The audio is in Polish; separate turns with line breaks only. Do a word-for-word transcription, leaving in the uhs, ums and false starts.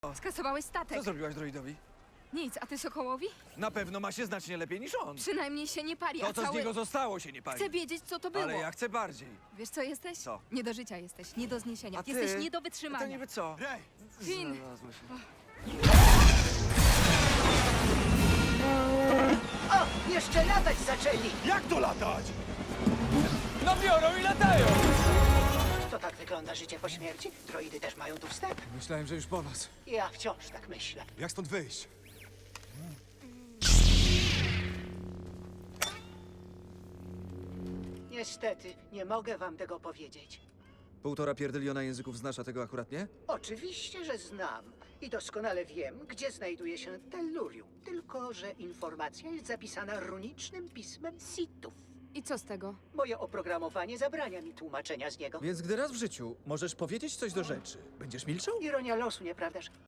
Skasowałeś statek.
Co zrobiłaś droidowi?
Nic, a ty Sokołowi?
Na pewno ma się znacznie lepiej niż on.
Przynajmniej się nie pali,
To,
a
co
cały...
z niego zostało, się nie pali.
Chcę wiedzieć, co to było.
Ale ja chcę bardziej.
Wiesz, co jesteś?
Co?
Nie do życia jesteś, nie do zniesienia.
A ty?
Jesteś nie do
To
wytrzymania.
niby co?
Rej!
Finn!
Znalazło się.
O, jeszcze latać zaczęli!
Jak to latać?
No biorą i latają!
To tak wygląda życie po śmierci? Droidy też mają tu wstęp?
Myślałem, że już po was.
Ja wciąż tak myślę.
Jak stąd wyjść?
Niestety, nie mogę wam tego powiedzieć.
Półtora pierdyliona języków znasz, a tego akurat nie?
Oczywiście, że znam i doskonale wiem, gdzie znajduje się Tellurium. Tylko, że informacja jest zapisana runicznym pismem Sithów.
I co z tego?
Moje oprogramowanie zabrania mi tłumaczenia z niego.
Więc gdy raz w życiu możesz powiedzieć coś do rzeczy, będziesz milczał?
Ironia losu, nieprawdaż?